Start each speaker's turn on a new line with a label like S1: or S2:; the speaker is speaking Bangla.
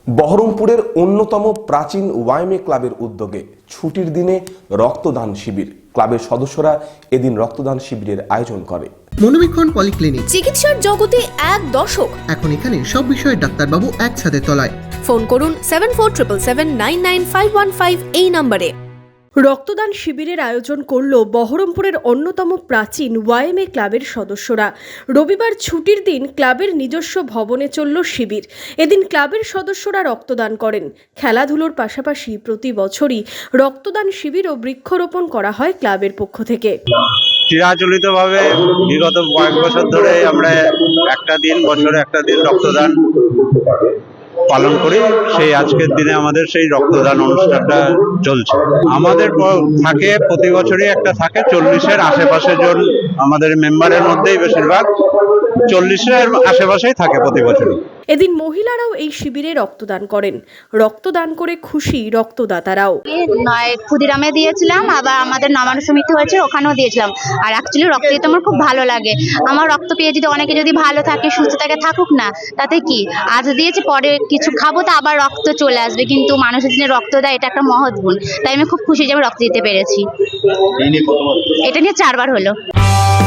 S1: বহরমপুরের অন্যতম প্রাচীন ওয়াইএমএ ক্লাবের উদ্যোগে ছুটির দিনে রক্তদান শিবির। ক্লাবের সদস্যরা এদিন রক্তদান শিবিরের আয়োজন করে।
S2: মনোবীক্ষণ পলিক্লিনিক,
S3: চিকিৎসার জগতে এক দশক।
S2: এখন এখানে সব বিষয়ে ডাক্তারবাবু একসাথে তলায়।
S3: ফোন করুন 7477799515 এই নম্বরে। রক্তদান শিবিরের আয়োজন করল বহরমপুরের অন্যতম প্রাচীন ওয়াইএমএ ক্লাবের সদস্যরা। রবিবার ছুটির দিন ক্লাবের নিজস্ব ভবনে চলল শিবির। এদিন ক্লাবের সদস্যরা রক্তদান করেন। খেলাধুলোর পাশাপাশি প্রতি বছরই রক্তদান শিবির ও বৃক্ষরোপণ করা হয় ক্লাবের পক্ষ থেকে।
S4: চিরাচরিতভাবে বিগত কয়েক বছর ধরে আমরা বছরে একটা দিন রক্তদান পালন করি। সেই আজকের দিনে আমাদের সেই রক্তদান অনুষ্ঠানটা চলছে। আমাদের থাকে প্রতি বছরই একটা থাকে 40-এর আশেপাশে জন আমাদের মেম্বারের মধ্যেই বেশিরভাগ 40-এর আশেপাশেই থাকে প্রতি বছরই।
S3: এদিন মহিলারাও এই শিবিরে রক্তদান করেন। রক্তদান করে খুশি রক্তদাতারাও।
S5: ক্ষুদিরামে দিয়েছিলাম, আবার আমাদের নবান্ন সমিতি হয়েছে ওখানেও দিয়েছিলাম। আর অ্যাকচুয়ালি রক্ত দিতে আমার খুব ভালো লাগে। আমার রক্ত পেয়ে যদি অনেকে যদি ভালো থাকে, সুস্থ থাকে, থাকুক না, তাতে কি, আজ দিয়েছি পরে কিছু খাবো তো আবার রক্ত চলে আসবে, কিন্তু মানুষের জন্য রক্ত দেয় এটা একটা মহৎ গুণ। তাই আমি খুব খুশি যে আমি রক্ত দিতে পেরেছি। এটা নিয়ে 4বার হলো।